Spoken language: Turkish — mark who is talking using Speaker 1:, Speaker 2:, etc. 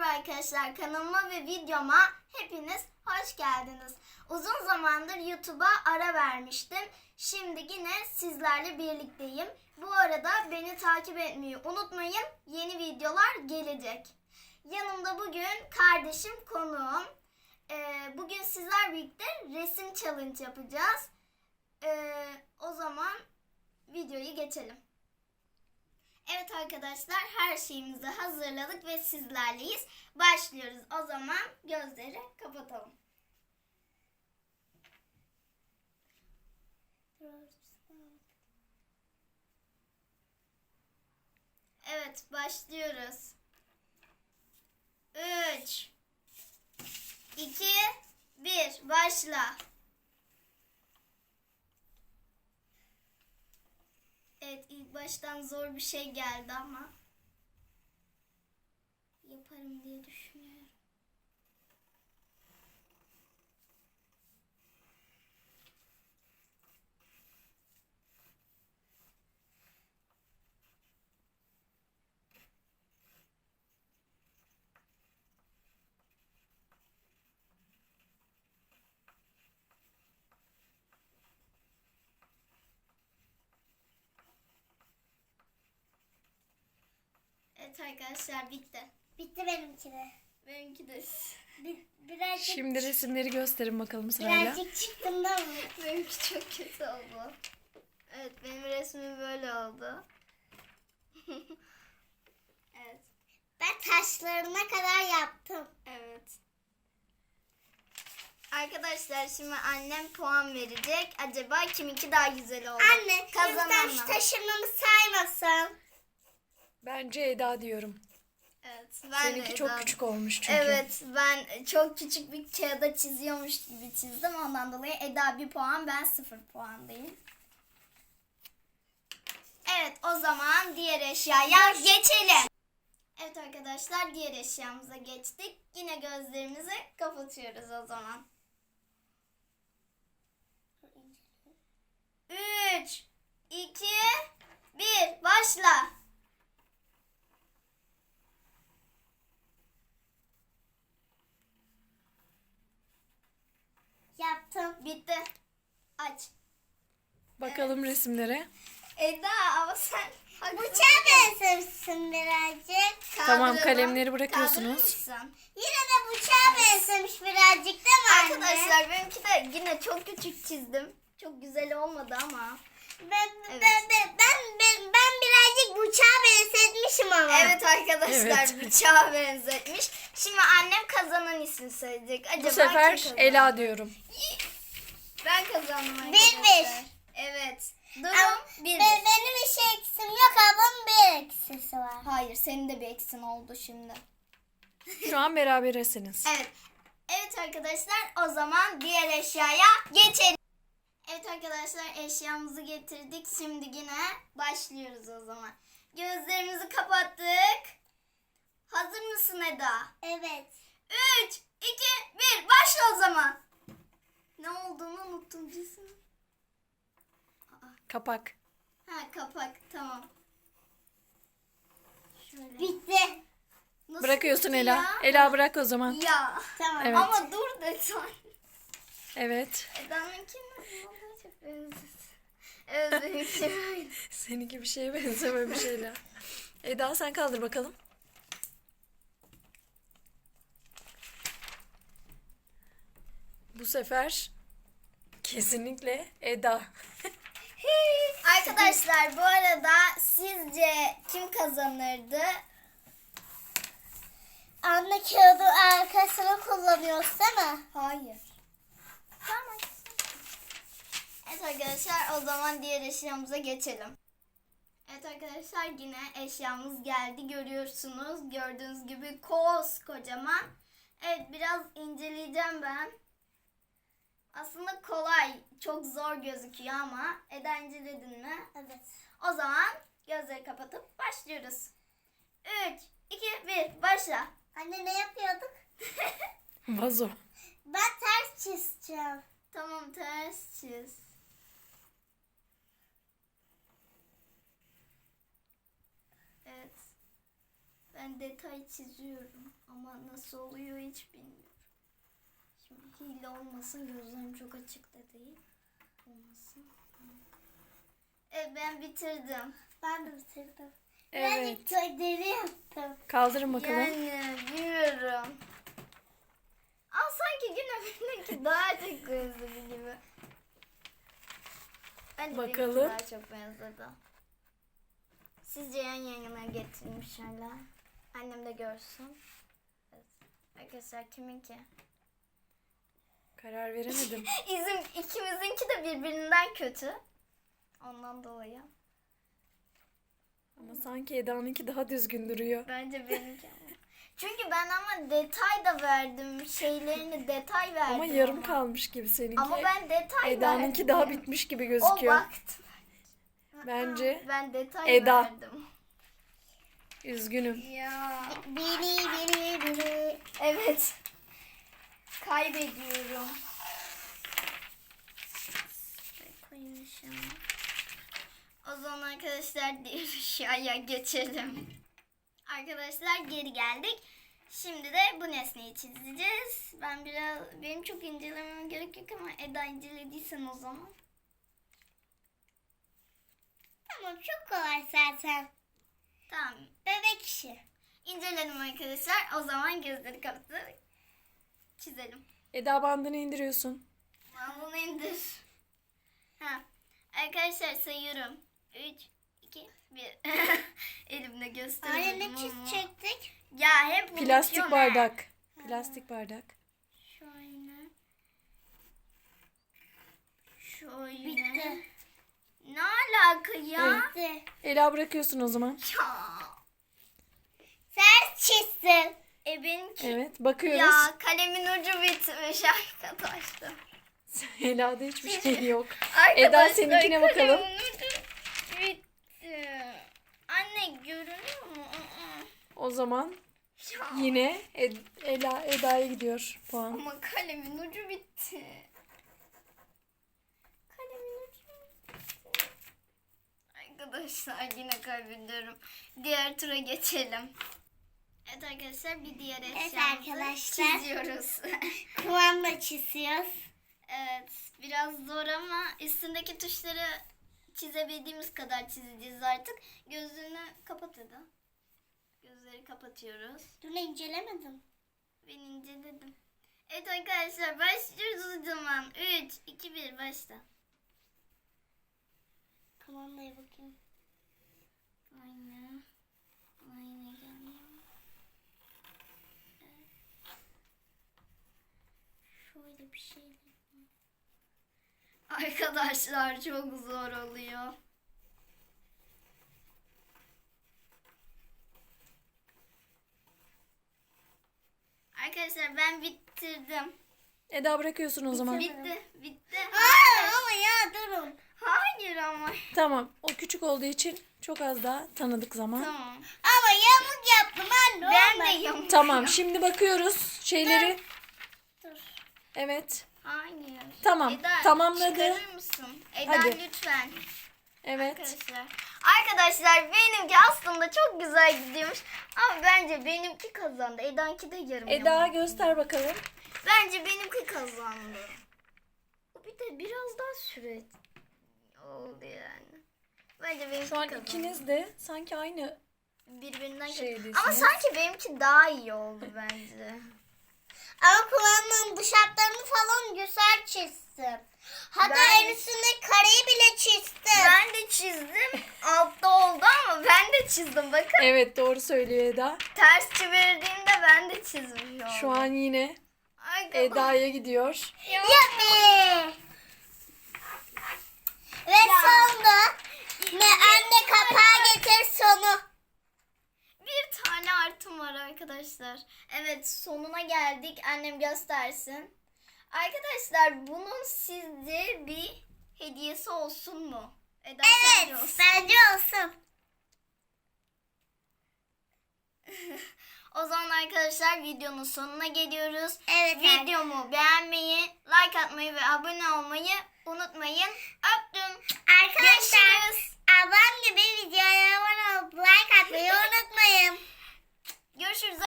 Speaker 1: arkadaşlar, kanalıma ve videoma hepiniz hoş geldiniz. Uzun zamandır YouTube'a ara vermiştim. Şimdi yine sizlerle birlikteyim. Bu arada beni takip etmeyi unutmayın. Yeni videolar gelecek. Yanımda bugün kardeşim konuğum. Bugün sizler birlikte resim challenge yapacağız. O zaman videoyu geçelim. Evet arkadaşlar, her şeyimizi hazırladık ve sizlerleyiz. Başlıyoruz. O zaman gözleri kapatalım. Evet, başlıyoruz. 3 2 1 başla. Evet, ilk baştan zor bir şey geldi ama yaparım diye düşünüyorum. Evet arkadaşlar, bitti.
Speaker 2: Bitti benimki de.
Speaker 1: Benimki de.
Speaker 2: Birazcık,
Speaker 3: Şimdi resimleri gösterin bakalım sırayla.
Speaker 2: birazcık çıktım da mı?
Speaker 1: Benimki çok kötü oldu. Evet, benim resmim böyle oldu. Evet.
Speaker 2: Ben taşlarına kadar yaptım.
Speaker 1: Evet. Arkadaşlar, şimdi annem puan verecek. Acaba kiminki daha güzel oldu?
Speaker 2: Anne,
Speaker 1: Kazanan
Speaker 2: lütfen şu
Speaker 1: mı?
Speaker 2: taşırmamı saymasın.
Speaker 3: Bence Eda diyorum.
Speaker 1: Evet. Ben
Speaker 3: Seninki
Speaker 1: de
Speaker 3: çok
Speaker 1: Eda.
Speaker 3: küçük olmuş çünkü.
Speaker 1: Evet, ben çok küçük bir kağıda çiziyormuş gibi çizdim. Ondan dolayı Eda 1 puan, ben 0 puandayım. Evet, o zaman diğer eşyaya geçelim. Evet arkadaşlar, diğer eşyamıza geçtik. Yine gözlerimizi kapatıyoruz o zaman. 3 2 1 başla.
Speaker 2: Yaptım.
Speaker 1: Bitti. Aç.
Speaker 3: Bakalım resimlere.
Speaker 1: Eda, ama sen
Speaker 2: Bıçağa benzemişsin birazcık.
Speaker 3: Tamam,
Speaker 1: Kaldıralım.
Speaker 3: kalemleri bırakıyorsunuz.
Speaker 1: Kaldırır mısın?
Speaker 2: Yine de bıçağa benzemiş birazcık değil mi anne?
Speaker 1: Arkadaşlar, benimki de yine çok küçük çizdim. Çok güzel olmadı ama.
Speaker 2: Ben,
Speaker 1: Evet.
Speaker 2: ben birazcık bıçağa benzetmişim ama.
Speaker 1: Evet arkadaşlar,
Speaker 3: Evet.
Speaker 1: bıçağa benzetmiş. Şimdi annem kazanan ismini söyleyecek. Acaba
Speaker 3: Bu sefer
Speaker 1: kim kazandı?
Speaker 3: Ela diyorum.
Speaker 1: Ben kazandım
Speaker 2: Bir,
Speaker 1: arkadaşlar.
Speaker 2: bir.
Speaker 1: Evet.
Speaker 2: Ama
Speaker 1: Durum 1-1.
Speaker 2: benim bir şey eksim yok, ablamın bir eksisi var.
Speaker 1: Hayır, senin de bir eksin oldu şimdi.
Speaker 3: Şu an berabersiniz.
Speaker 1: Evet. Evet arkadaşlar, o zaman diğer eşyaya geçelim. Evet arkadaşlar, eşyamızı getirdik. Şimdi yine başlıyoruz o zaman. Gözlerimizi kapattık. Hazır mısın Eda?
Speaker 2: Evet.
Speaker 1: 3, 2, 1 başla o zaman. Ne olduğunu unuttum cismi.
Speaker 3: Kapak.
Speaker 1: Ha, kapak, tamam. Şöyle.
Speaker 2: Bitti.
Speaker 1: Nasıl
Speaker 3: Bırakıyorsun
Speaker 1: bitti
Speaker 3: Ela.
Speaker 1: ya?
Speaker 3: Ela bırak o zaman.
Speaker 1: Ya.
Speaker 2: Tamam.
Speaker 3: Evet.
Speaker 1: Ama dur lütfen.
Speaker 3: Evet.
Speaker 1: Eda'nınkine vallahi çok benziyor. Evet, benimki böyle.
Speaker 3: Seninki bir şeye benzememiş Ela. Eda sen kaldır bakalım. Bu sefer kesinlikle Eda.
Speaker 1: Arkadaşlar, bu arada sizce kim kazanırdı?
Speaker 2: Anne, kağıdı arkasına kullanıyoruz değil mi?
Speaker 1: Hayır. Tamam. Evet arkadaşlar, o zaman diğer eşyamıza geçelim. Evet arkadaşlar, yine eşyamız geldi. Görüyorsunuz. Gördüğünüz gibi kocaman. Evet, biraz inceleyeceğim ben. Aslında kolay. Çok zor gözüküyor ama. Eda, inceledin mi?
Speaker 2: Evet.
Speaker 1: O zaman gözleri kapatıp başlıyoruz. 3, 2, 1 başla.
Speaker 2: Anne, ne yapıyorduk?
Speaker 3: Vazo.
Speaker 2: Ben ters çizeceğim.
Speaker 1: Tamam, ters çiz. Evet. Ben detay çiziyorum ama nasıl oluyor hiç bilmiyorum. Şimdi hile olmasın, gözlerim çok açık da değil. Olmasın. Evet, ben bitirdim.
Speaker 2: Ben de bitirdim.
Speaker 3: Evet.
Speaker 2: Birazcık gölleri yaptım.
Speaker 3: Kaldırın bakalım.
Speaker 1: Yani bilmiyorum. Ama sanki Güneş'teki daha çok benzedi gibi. Bence
Speaker 3: Bakalım.
Speaker 1: benimki daha çok benzedi. Sizce yan yana getirmişler. Annem de görsün. Evet. Arkadaşlar kiminki?
Speaker 3: Karar veremedim.
Speaker 1: İkimizinki de birbirinden kötü. Ondan dolayı.
Speaker 3: Ama sanki Eda'nınki daha düzgün duruyor.
Speaker 1: Bence benimki ama. Çünkü ben ama detay da verdim. Şeylerini detay verdim.
Speaker 3: Ama yarım kalmış gibi seninki.
Speaker 1: Ama ben detay
Speaker 3: Eda'nınki
Speaker 1: verdim.
Speaker 3: daha bitmiş gibi
Speaker 1: O
Speaker 3: gözüküyor.
Speaker 1: baktı.
Speaker 3: Bence
Speaker 1: Ben detay
Speaker 3: Eda.
Speaker 1: verdim.
Speaker 3: üzgünüm.
Speaker 1: Ya.
Speaker 2: Biri.
Speaker 1: Evet. Kaybediyorum. Koymuşum. O zaman arkadaşlar diğer aşağıya geçelim. Arkadaşlar geri geldik. Şimdi de bu nesneyi çizeceğiz. Benim çok incelemem gerek yok ama Eda incelediysen o zaman.
Speaker 2: Tamam, çok kolay zaten.
Speaker 1: Tamam.
Speaker 2: Bebek işi.
Speaker 1: İnceledim arkadaşlar. O zaman gözleri kapatıp çizelim.
Speaker 3: Eda bandını indiriyorsun.
Speaker 1: Ben bunu indir. Ha. Arkadaşlar sayıyorum. 3, 2, 1. Elimde gösteriyorum.
Speaker 2: Anne ne
Speaker 1: ama.
Speaker 2: çizecektik?
Speaker 1: Ya hep
Speaker 3: Plastik
Speaker 1: unutuyorum
Speaker 3: bardak. Plastik bardak.
Speaker 1: Şöyle. Şöyle.
Speaker 2: Bitti.
Speaker 1: Ne alaka ya?
Speaker 2: Bitti.
Speaker 3: Ela bırakıyorsun o zaman.
Speaker 1: Ya.
Speaker 2: Sen çizdin.
Speaker 1: Benimki.
Speaker 3: Evet bakıyoruz.
Speaker 1: Ya kalemin ucu bitmiş arkadaşlar.
Speaker 3: Ela'da hiçbir şey yok.
Speaker 1: Arkadaşlar,
Speaker 3: Eda seninkine bakalım.
Speaker 1: kalemin ucu bitti. Anne görünüyor mu?
Speaker 3: O zaman
Speaker 1: Ya.
Speaker 3: yine Eda'ya gidiyor puan.
Speaker 1: Ama kalemin ucu bitti. Kalemin ucu bitti. Arkadaşlar yine kaybediyorum. Diğer tura geçelim. Evet arkadaşlar bir diğer eşyamızı
Speaker 2: arkadaşlar.
Speaker 1: çiziyoruz.
Speaker 2: Kumanda çiziyoruz.
Speaker 1: Evet biraz zor ama üstündeki tuşları çizebildiğimiz kadar çizeceğiz artık. Gözünü kapat hadi. Gözleri kapatıyoruz.
Speaker 2: Dur, incelemedim.
Speaker 1: Ben inceledim. Evet arkadaşlar başlıyoruz o zaman. 3, 2, 1 başla.
Speaker 2: Kumandaya bakayım.
Speaker 1: Aynen. Aynen gelmiyor. Evet. Şöyle bir şey. Arkadaşlar çok zor oluyor. Arkadaşlar ben bitirdim.
Speaker 3: Eda bırakıyorsun o zaman.
Speaker 1: Bitti.
Speaker 2: Aa, ama ya durun.
Speaker 1: Hayır ama.
Speaker 3: Tamam. O küçük olduğu için çok az daha tanıdık zaman.
Speaker 1: Tamam.
Speaker 2: Ama yamuk yaptım anne.
Speaker 1: Ben de
Speaker 2: olmaz.
Speaker 1: yamuk.
Speaker 3: Tamam. Şimdi bakıyoruz şeyleri.
Speaker 2: Dur.
Speaker 3: Evet.
Speaker 1: Hayır.
Speaker 3: Tamam,
Speaker 1: Eda,
Speaker 3: tamamladı.
Speaker 1: çıkarır mısın? Eda
Speaker 3: Hadi.
Speaker 1: lütfen.
Speaker 3: Evet.
Speaker 1: Arkadaşlar benimki aslında çok güzel gidiyormuş. Ama bence benimki kazandı. Eda'nki de yarım
Speaker 3: Eda
Speaker 1: yamalak.
Speaker 3: göster bakalım.
Speaker 1: Bence benimki kazandı. Bir de biraz daha süre oldu yani. Bence benimki
Speaker 3: Şu an
Speaker 1: kazandı.
Speaker 3: ikiniz de sanki aynı
Speaker 1: birbirinden
Speaker 3: şeydesiniz.
Speaker 1: Ama sanki benimki daha iyi oldu bence.
Speaker 2: Ama kumandanın dış hatlarını falan güzel çizsin. Hatta
Speaker 1: Ben-
Speaker 2: en üstündeki kareyi bile çizdim.
Speaker 1: Ben de çizdim. Altta oldu ama ben de çizdim. Bakın
Speaker 3: Evet doğru söylüyor Eda.
Speaker 1: ters çevirdiğimde ben de çizmiş oldum.
Speaker 3: Şu an yine
Speaker 1: Arkadaşlar.
Speaker 3: Eda'ya gidiyor.
Speaker 2: Yapı. Ve sonunda ne anne kapağı getir sonu.
Speaker 1: Bir tane artım var arkadaşlar. Evet sonuna geldik. Annem göstersin. Arkadaşlar bunun sizce bir hediyesi olsun mu? Eda sence
Speaker 2: Evet,
Speaker 1: olsun.
Speaker 2: bence olsun.
Speaker 1: O zaman arkadaşlar videonun sonuna geliyoruz.
Speaker 2: Evet,
Speaker 1: Videomu beğenmeyi, like atmayı ve abone olmayı unutmayın. Öptüm.
Speaker 2: Arkadaşlar
Speaker 1: Görüşürüz.
Speaker 2: ablam gibi videoya abone olup like atmayı unutmayın.
Speaker 1: Görüşürüz.